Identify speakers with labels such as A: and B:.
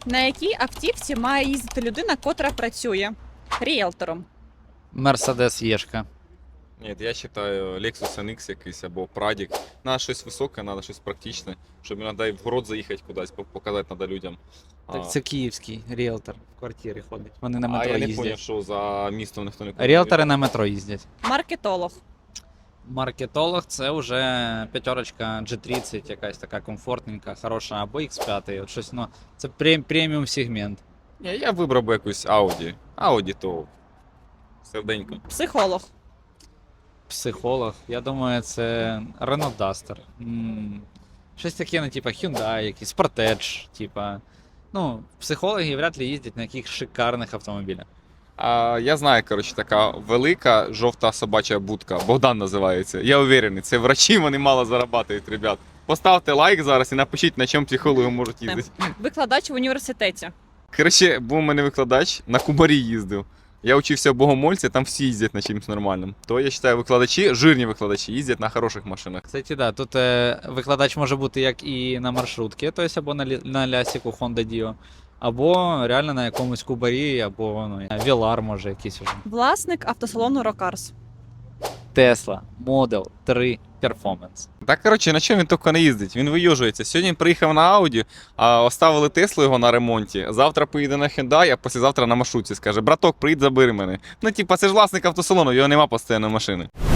A: На якій автівці має їздити людина, котра працює ріелтором?
B: Мерседес Єшка.
C: Ні, я вважаю Lexus NX якийсь або Pradік. Надо щось високе, треба щось практичне, щоб іноді в город заїхати кудись, показати треба людям.
B: Так це київський ріелтор в квартирі ходить. Вони на
C: А
B: метро
C: я не
B: їздять.
C: зрозумів, що за містом ніхто не ходить.
B: Ріелтори на метро їздять.
A: Маркетолог.
B: Маркетолог це вже п'ятерочка G30, якась така комфортненька, хороша, або X5. От щось, ну, це преміум сегмент.
C: Ні, я вибрав би якусь Audi. Audi то серденько.
A: Психолог.
B: Психолог. Я думаю, це Renault Duster. Щось таке, ну, типа Hyundai, якийсь Sportage, типа. Ну, психологи вряд ли їздять на яких шикарних автомобілях.
C: Я знаю, коротше, така велика жовта собача будка. Богдан називається. Я уверений, це врачі, вони мало зарабатують, ребят. Поставте лайк зараз і напишіть, на чому психологи можуть їздити.
A: Викладач в університеті.
C: Коротше, був у мене викладач, на Кубарі їздив. Я учився в Богомольці, там всі їздять на чимось нормальним. То я вважаю, викладачі, жирні викладачі, їздять на хороших машинах.
B: Кстати, да, тут викладач може бути як і на маршрутці, тобто або на лясіку Honda Dio, або реально на якомусь Кубарі, або ну, Velar може якийсь уже.
A: Власник автосалону Рокарс.
B: Tesla Model 3 Performance.
C: Так, коротше, на чому він тільки не їздить? Він виюжується. Сьогодні він приїхав на Ауді, а оставили Теслу його на ремонті. Завтра поїде на Hyundai, а післязавтра на маршрутці. Скаже, браток, приїдь, забери мене. Ну, типа, це ж власник автосалону, його нема постійної машини.